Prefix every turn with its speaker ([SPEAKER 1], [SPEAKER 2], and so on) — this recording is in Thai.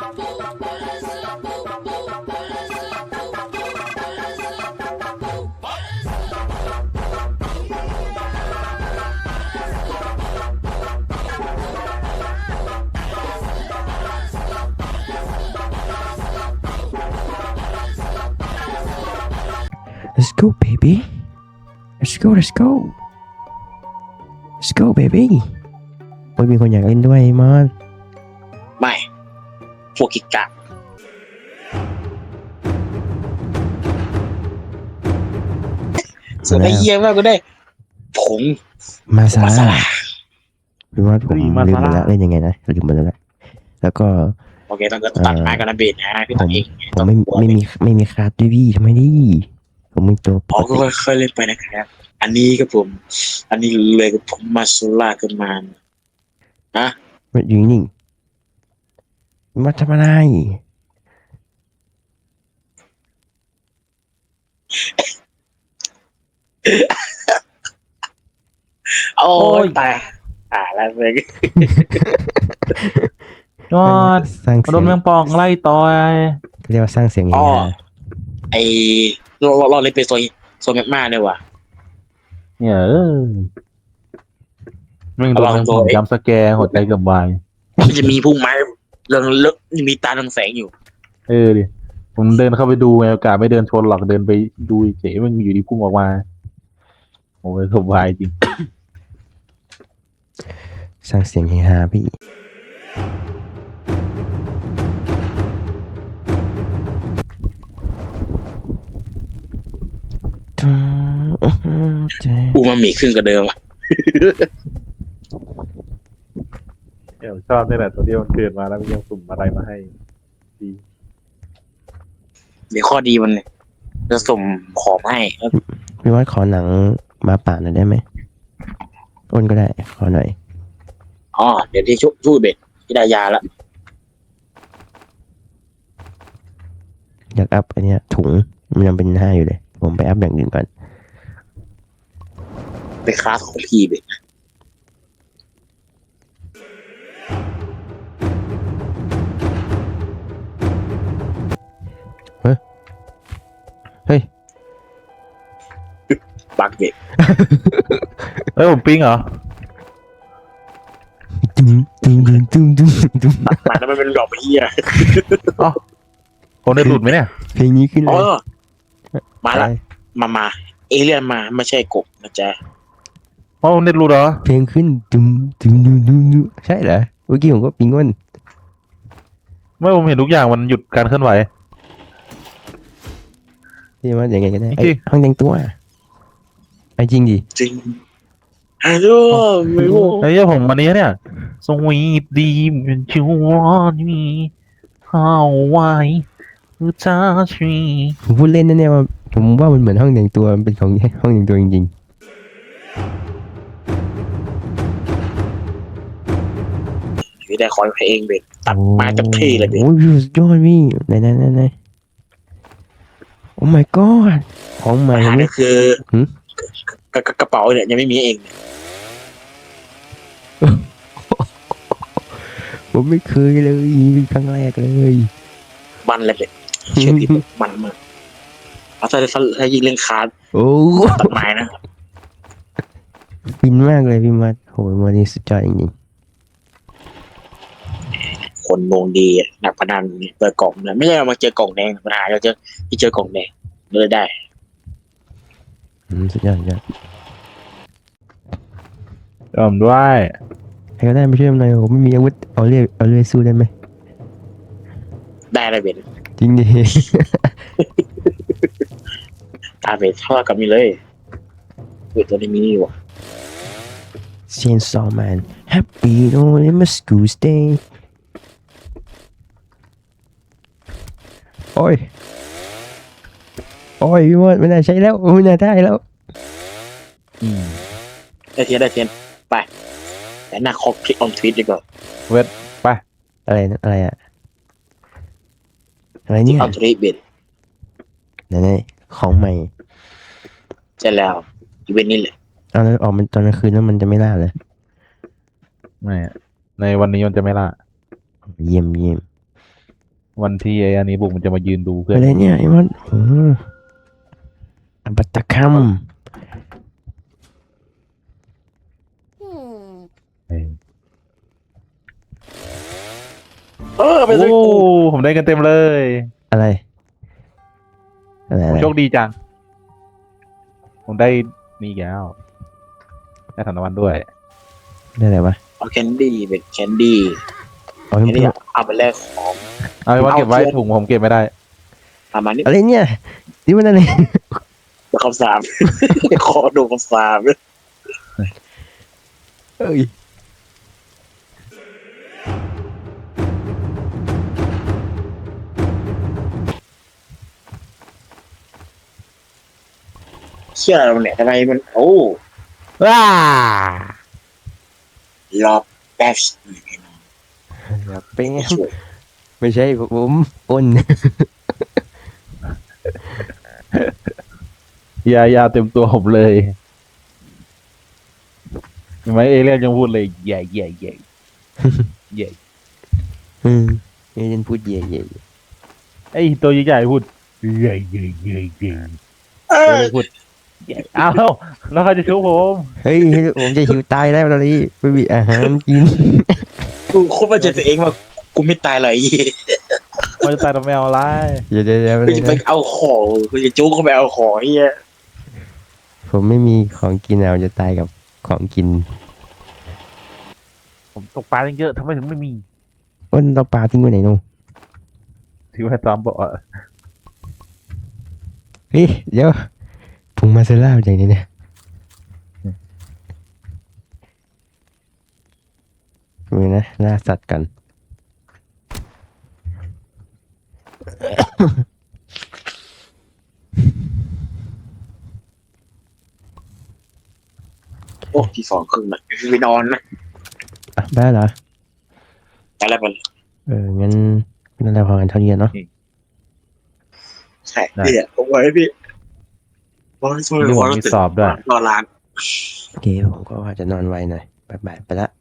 [SPEAKER 1] Let's go baby let's go let's go let's go baby โอ้ยมีคนอยากเล่นด้วยมอน
[SPEAKER 2] ไม่พวกกิกะส่วนไอ้เยี่ยมากก็ได้ผง
[SPEAKER 1] มาซา
[SPEAKER 2] มาซาลา
[SPEAKER 1] พี่ว่าผมลืมหมดแล้วเล่นยังไงนะลืมหมดแล้วแล้วก็
[SPEAKER 2] โอเคต้องตัดไม้กันนะเบนนะพี่ตัดเอง
[SPEAKER 1] ผมไม่มีคาร์ดด้วยพี่ทำไมดิผมมีตัวป
[SPEAKER 2] อ๋อก ก็
[SPEAKER 1] ติ
[SPEAKER 2] ค่อยๆเล่นไปนะครับอันนี้ครับผมอันนี้เลยกับผมมาโซล่าขึ้นมาฮะ
[SPEAKER 1] มันอยู่นิ่งมาทำอะไร
[SPEAKER 2] โอ้ยตายแล้วเลย
[SPEAKER 3] ยอด
[SPEAKER 1] สร้าง
[SPEAKER 3] โด
[SPEAKER 1] เสีย
[SPEAKER 3] น
[SPEAKER 1] ง
[SPEAKER 3] แมงป่องไล่ต่อย
[SPEAKER 1] เรียกว่าสร้างเสียงเฮ
[SPEAKER 2] อ๋อ
[SPEAKER 1] ฮา
[SPEAKER 2] ไอเราเล่นเป็นโซนแมกมาเนี่ยว่ะ
[SPEAKER 3] เนี่ยแม่งโดนแมงป่องจำสแกร์หัวใจเกือบวาย
[SPEAKER 2] มันจะมีพุ่งไม้เรื่องเลิกมีตาทางแสงอยู่
[SPEAKER 3] ดิผมเดินเข้าไปดูไงโอกาสไม่เดินชนหรอกเดินไปดูเฉยมันอยู่ดีพุ่งออกมาโอ้ยเกือบวายจริง
[SPEAKER 1] สร้างเสียงเฮฮาพี่
[SPEAKER 2] อูมามีขึ้นกว่าเดิมอ่ะ
[SPEAKER 3] เดี๋ยวชอบนี่แหละตัวที่มันเกิดมาแล้วมันยังสุ่มอะไรมาให้ดี
[SPEAKER 2] เดี๋ยวข้อดีมันเนี่ยจะส่งของให้
[SPEAKER 1] พี่ว่าขอหนังมาป่าหน่อยได้ไหมอ้นก็ได้ขอหน่อย
[SPEAKER 2] อ๋อเดี๋ยวที่ช่วยเบ็ดที่ได้ยาละ
[SPEAKER 1] อยากอัพอันเนี้ยถุงมันยังเป็น5อยู่เลยผมไปอัพอย่างอื่นก่อน
[SPEAKER 2] ไปคลาสของพี่เบ็ด
[SPEAKER 1] เฮ้ย
[SPEAKER 2] บักเบ็ด
[SPEAKER 3] ผมปิ้งเหรอ
[SPEAKER 1] ตุ้ม
[SPEAKER 2] มาแล้วมันเป็นดอกเหี้ย
[SPEAKER 3] คนได้หลุดไหมเนี่ย
[SPEAKER 1] เพลงนี้ขึ้นเล
[SPEAKER 2] อ๋อย มาละมาเอเลี่ยนมาไม่ใช่กบนะจ๊ะ
[SPEAKER 3] คนได้หลุดเหรอ
[SPEAKER 1] เพลงขึ้นใช่เหรอเมื่อกี้ผมก็ปิงอ้น
[SPEAKER 3] ไม่ผมเห็นทุกอย่างมันหยุดการเคลื่อนไหว
[SPEAKER 1] ที่ว่าอย่างไงก็ได้
[SPEAKER 3] จริง
[SPEAKER 1] ห้องแต่งตัวไอ้จริงดิ
[SPEAKER 2] จริงฮัลโหลไม่รู้
[SPEAKER 3] ไอ้เหี้ยผมวันนี้เนี่ยสวีทดีเป็นชิวอนมีเข้าไว้คือจ้าชี
[SPEAKER 1] ผมพูดเล่นนะเนี่ยว่าผมว่ามันเหมือนห้องแต่งตัวมันเป็นของห้องแต่งตัวจริง
[SPEAKER 2] พี่ได้คอนเพลงเบ็ด
[SPEAKER 1] ๆ
[SPEAKER 2] ตัดมาจากที่เลยเบ็ด
[SPEAKER 1] โอ้ยสุดยอดพี่ไหนโอ้ my god ของใหม่
[SPEAKER 2] ปัญหา
[SPEAKER 1] ไหม
[SPEAKER 2] ก็คือกระเป๋าเนี่ยยังไม่มีเอง
[SPEAKER 1] ผมไม่เคยเลยเป็นครั้งแรกเลย
[SPEAKER 2] มันเลยเบ็ดเชื่อพี่มันมากเอาถ้ายิงเล่นคาร์ด
[SPEAKER 1] โอ้
[SPEAKER 2] ตัดไม้นะ
[SPEAKER 1] ฟินมากเลยพี่มัดโหวันนี้สุดยอดจริง
[SPEAKER 2] คนดวงดีนักพนันเปิดกล่องนะไม่ใช่เรามาเจอกล่องแดงปัญหาเราเจอกล่องแดงเลยได้
[SPEAKER 1] สุดยอด
[SPEAKER 3] ยอมด้วย
[SPEAKER 1] ใครก็ได้ไปช่วยผมหน่อยผมไม่มีอาวุธเอาเรื่อยสู้ได้ไหม
[SPEAKER 2] ได้เลยเบ็ด
[SPEAKER 1] จริงดิ
[SPEAKER 2] ตาเบ็ดเท่ากับมีเลยเบ็ดตัวนี้มีนี่ว่ะ
[SPEAKER 1] Chainsaw Man Happy on my school day โอ้ยพี่มัดไม่น่าใช้แล้วไม่น่าได้แล้ว
[SPEAKER 2] ได้เทียนไปแต่หน้าคลิกออนทวีตดีกว่า
[SPEAKER 3] เวทไป
[SPEAKER 1] อะไรอะอะไร
[SPEAKER 2] คลิ
[SPEAKER 1] เนี่
[SPEAKER 2] ก
[SPEAKER 1] ย
[SPEAKER 2] ออนทวีตเบ็ด
[SPEAKER 1] ไหนของใหม่
[SPEAKER 2] ใช่แล้วอีเวนต์นี้แหละ
[SPEAKER 1] เอาแล้วออกมันตอนกลางคืนแล้วมันจะไม่ล่าเลย
[SPEAKER 3] ไม่ในวันนี้มันจะไม่ล่า
[SPEAKER 1] เยี่ยม
[SPEAKER 3] วันที่ไอ้อันนี้บุกมันจะมายืนดูเพื่อน
[SPEAKER 1] อะไรเนี่ยไอ้มันอัปตะคัม
[SPEAKER 3] เอ้ย
[SPEAKER 2] ไป
[SPEAKER 3] โอ้
[SPEAKER 2] เลยกู
[SPEAKER 3] ผมได้กันเต็มเลย
[SPEAKER 1] อะไรอะไร
[SPEAKER 3] ผมโชคดีจัง ผมได้นี่แก้วได้ธนวัลด้วย
[SPEAKER 1] ได้อะไรวะ
[SPEAKER 2] เอาแคนดี้เป็นแคนดี้
[SPEAKER 1] เอา
[SPEAKER 2] แคน
[SPEAKER 1] เพิ่
[SPEAKER 2] ดี้
[SPEAKER 1] ม
[SPEAKER 2] เอาไปแลกของ
[SPEAKER 3] เอาไปว่าเก็บไว้ถุงผมเก็บไม่ได้
[SPEAKER 2] ประมาณนี้
[SPEAKER 1] อะไรเนี่ยนี่มันอะไร
[SPEAKER 2] คำสาป ขอดูคำสาป
[SPEAKER 1] เอ้ย
[SPEAKER 2] เชื่อเราเนี่ยทำไมมันโอ้
[SPEAKER 1] ว้าร
[SPEAKER 2] อบแป๊บ
[SPEAKER 1] เป็นไง
[SPEAKER 2] ช่วย
[SPEAKER 1] ไม่ใช่ผมอ้น
[SPEAKER 3] ยาเต็มตัวผมเลยเห็นไหมเอเลี่ยนยังพูดเลยใหญ่ใหญ่ใหญ่ใหญ่
[SPEAKER 1] เอเจนพูดเย่เย่
[SPEAKER 3] ไอ้ตัวใหญ่ๆพูดใหญ่ใหญ่ใหญ่ใหญ่
[SPEAKER 2] เอ
[SPEAKER 3] ตัว
[SPEAKER 2] อ
[SPEAKER 3] เล็กพูดใหญ่อ้าวแล้วเขาจะชุบผม
[SPEAKER 1] เฮ้ยผมจะหิวตายแล้วตอนนี้ไม่มีอาหารกิน
[SPEAKER 2] กูโคตรมั่นใจตัวเองว่ากูไม่ตายเลย
[SPEAKER 3] เขาจะตายทำไมเอาไร
[SPEAKER 1] เดี๋ยว
[SPEAKER 2] กูจะไปเอาของกูจะจุ๊กเข้าไปเอาของเฮีย
[SPEAKER 1] ผมไม่มีของกินเอาจะตายกับของกิน
[SPEAKER 3] ผมตกปลาเยอะทำไมถึงไม่มี
[SPEAKER 1] อ้นเราปลาทิ้งไว้ไหนนู่น
[SPEAKER 3] ที่ว่าซ้อมบอก
[SPEAKER 1] เฮ้ยเดี๋ยวพุงมาเซล่าอย่างนี้เนี่ยมือนะล่าสัตว์กัน
[SPEAKER 2] โอ้ที่สองครึ่งนะไปนอนนะ
[SPEAKER 1] อ่ะได้เหรอ
[SPEAKER 2] อะไรมัน
[SPEAKER 1] งั้นนั่นเราพอกันเท่านี้เนาะ
[SPEAKER 2] ใช่พี่ผมไว้พี่บอลช่วย
[SPEAKER 3] นี่ผมมีสอบด้วย
[SPEAKER 2] นอนร้าน
[SPEAKER 1] โอเคผมก็ว่าจะนอนไวหน่อยบ๊ายบายไปละ